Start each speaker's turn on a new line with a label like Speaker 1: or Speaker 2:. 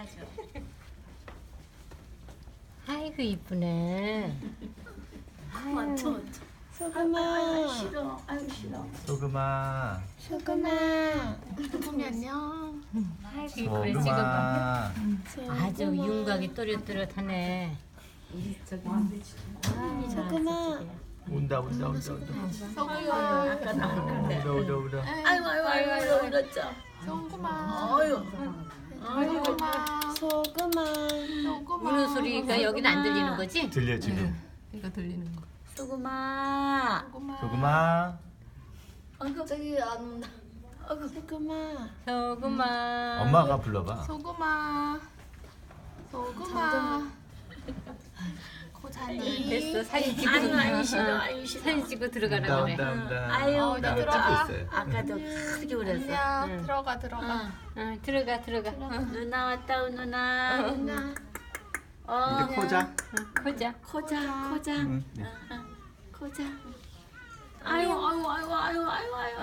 Speaker 1: 아이고 이쁘네.
Speaker 2: 소금아.
Speaker 3: 싫어. 아유 싫어.
Speaker 4: 소금아.
Speaker 2: 소금아.
Speaker 3: 소금이 안녕.
Speaker 1: 아이고 이쁘네 지금 봐.
Speaker 4: 소금아.
Speaker 1: 아주 윤곽이 또렷또렷하네.
Speaker 2: 소금아.
Speaker 4: 온다.
Speaker 3: 소금아.
Speaker 4: 울어.
Speaker 3: 아이고 울었죠.
Speaker 5: 소금아.
Speaker 3: 아유.
Speaker 5: 소금아.
Speaker 2: 소금아.
Speaker 5: 소금아.
Speaker 1: 우는 소리가 여기는 안 들리는 거지?
Speaker 4: 들려 지금.
Speaker 5: 이거 들리는 거.
Speaker 3: 소금아.
Speaker 4: 소금아.
Speaker 3: 아이고 저기 안 온다. 아이고
Speaker 2: 소금아.
Speaker 1: 소금아.
Speaker 4: 엄마가 불러봐.
Speaker 5: 소금아. 소금아. 고자니.
Speaker 1: 됐어 사진 찍고
Speaker 3: 아유 싫어. 아유 싫어.
Speaker 1: 사진 찍고 들어가라 그래.
Speaker 3: 아유
Speaker 4: 나
Speaker 5: 들어가.
Speaker 4: 찍고 있어요.
Speaker 3: 아까도 크게 울었어.
Speaker 5: 아니야. 들어가 들어가.
Speaker 1: 응, 들어가.
Speaker 3: 누나 왔다 누나.
Speaker 5: 누나.
Speaker 4: 이제 코자.
Speaker 1: 코자.
Speaker 3: 코자.
Speaker 4: 응.
Speaker 3: 코자. 아유.